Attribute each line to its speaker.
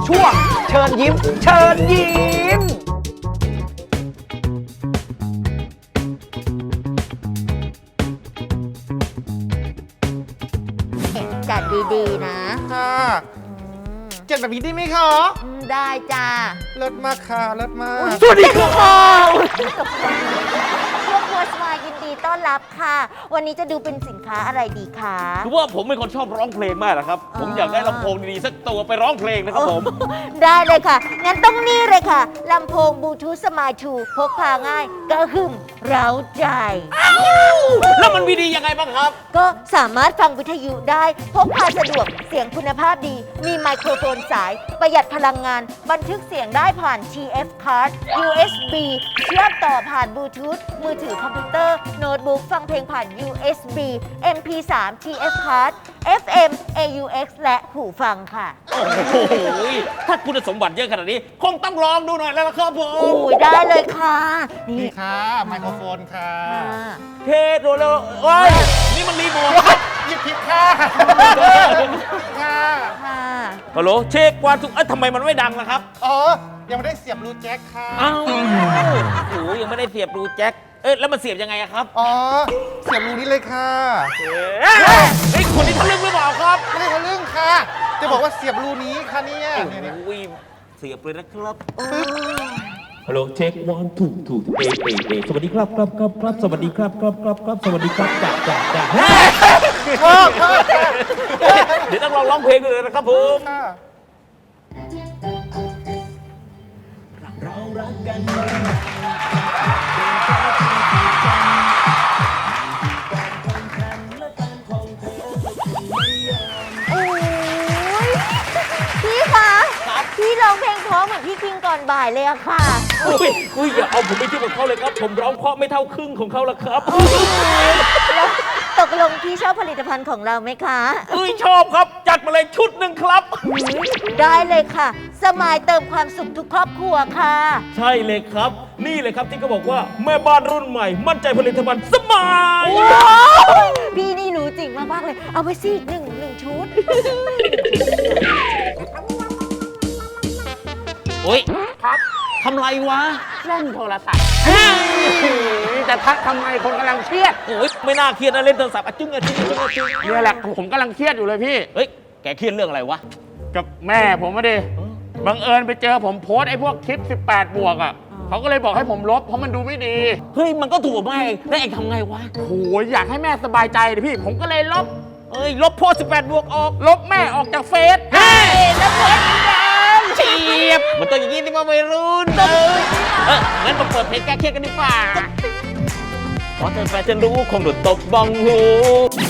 Speaker 1: ช่วงเชิญยิ้ม เชิญยิ้ม
Speaker 2: จัดดีๆนะ
Speaker 3: ค่ะจัดแบบนี้ได้ไหมคะ
Speaker 2: ได้จ้า
Speaker 3: เลิศมากค่ะเลิศมาก
Speaker 1: สวัสดีครับ
Speaker 2: ครอบครัวสมายยินดีต้อนรับค่ะ วันนี้จะดูเป็นสินค้าอะไรดีคะ
Speaker 4: คือว่าผมเป็นคนชอบร้องเพลงมากนะครับ ผมอยากได้ลำโพงดีๆสักตัวไปร้องเพลงนะครับผม
Speaker 2: ได้เลยค่ะ งั้นต้องนี่เลยค่ะ ลำโพงบลูทูธสมายทูพกพาง่ายกระหึ่มเร้าใจ
Speaker 4: แล้วมันมีดียังไงบ้างครับ
Speaker 2: ก็สามารถฟังวิทยุได้ พกพาสะดวกเสียงคุณภาพดี มีไมโครโฟนสาย ประหยัดพลังงาน บันทึกเสียงได้ผ่าน TF card USB เชื่อมต่อผ่านบลูทูธมือถือคอมพิวเตอร์โน้ตบุ๊กฟังเพลงผ่าน USB MP3 TF card FM AUX และหูฟังค่ะ
Speaker 4: โอ้โหถ้าคุณสมบัติเยอะขนาดนี้ คงต้องลองดูหน่อยแล้วล่ะครับผม
Speaker 2: โอ้ยได้เลยค่ะ นี่
Speaker 3: นี่ค่ะ ไมโครโฟนค่ะ
Speaker 2: ค่ะ
Speaker 4: เทสโดนแล้วโอ้ยนี่มันรีโมท
Speaker 3: หยิบผิดค่ะค่ะ
Speaker 2: ค่ะ
Speaker 4: ฮัลโหลเช็คว่าทุกทำไมมันไม่ดังล่ะครับ
Speaker 3: อ๋อ ยังไม่ได้เสียบรูแจ็คค่ะ
Speaker 4: อ้าวโอ้โหยังไม่ได้เสียบรูแจ็คแล้วมันเสียบยังไงอะครับ
Speaker 3: อ๋อ เสียบรูนี้เลยค่ะ
Speaker 4: เฮ้ยคนนี้ทะลึ่งหรือเปล่าครับ
Speaker 3: ไม่ได้ทะลึ่งค่ะ จะบอกว่าเสียบรูนี้ค่ะเนี่ย
Speaker 4: โอ้
Speaker 3: เนี่ย
Speaker 4: โหเสียบเลยนะครับ
Speaker 5: ฮัลโหลเช็ควันถูกสวัสดีครับครับสวัสดีครับครับสวัสดีครับจ้า
Speaker 3: ชอบค่ะ
Speaker 4: เดี๋ยวต้องลองร้องเพลงดูเลยนะครับผม
Speaker 3: ค่ะ
Speaker 2: โอ้ยพี่คะพี่ร้องเพลงเพราะเหมือนพี่คิงก่อนบ่ายเลยอะค่ะ
Speaker 4: อุ้ยอย่าเอาผมไปเทียบกับเขาเลยครับ ผมร้องเพราะไม่เท่าครึ่งของเขาละครับ
Speaker 2: แล้วตกลงพี่ชอบผลิตภัณฑ์ของเราไหมคะ
Speaker 4: อุ้ยชอบครับ จัดมาเลยชุดหนึ่งครับ
Speaker 2: ได้เลยค่ะ สมายเติมความสุขทุกครอบครัวค่ะ
Speaker 4: ใช่เลยครับ นี่เลยครับที่เขาบอกว่าแม่บ้านรุ่นใหม่ มั่นใจผลิตภัณฑ์สมาย
Speaker 2: พี่นี่รู้จริงมากๆเลย เอาไปสิหนึ่งชุด
Speaker 4: โอ้ยครับทำไรวะ
Speaker 1: เล่นโทรศัพท์จะทักทำไมคนกำลังเครียด
Speaker 4: โอ้ยไม่น่าเครียดนะเล่นโทรศัพท์อะจึ้งอะจึ้งอะจึ้งอะจึ้ง
Speaker 1: เนี่ยแหละผมกำลังเครียดอยู่เลยพี่
Speaker 4: เฮ้ยแกเครียดเรื่องอะไรวะ
Speaker 1: กับแม่ผมมาดิบังเอิญไปเจอผมโพสต์ไอ้พวกคลิป 18 บวกอ่ะเขาก็เลยบอกให้ผมลบเพราะมันดูไม่ดี
Speaker 4: เฮ้ยมันก็ถูกแม่เองแล้วเองทำไงวะ
Speaker 1: โอ้ยอยากให้แม่สบายใจดิพี่ ผมก็เลยลบ
Speaker 4: เอ้ยลบโพส18 บวกออก
Speaker 1: ลบแม่ออกจากเฟซ
Speaker 4: เฮ้ยแล้วเปิดเฉียบมันต้องอย่างนี้ที่มาวัยรุ่นงั้นมาเปิดเพลงแก้เครียดกันดีกว่าเพราะเธอแฟนฉันรู้คงโดนตบบ้องหู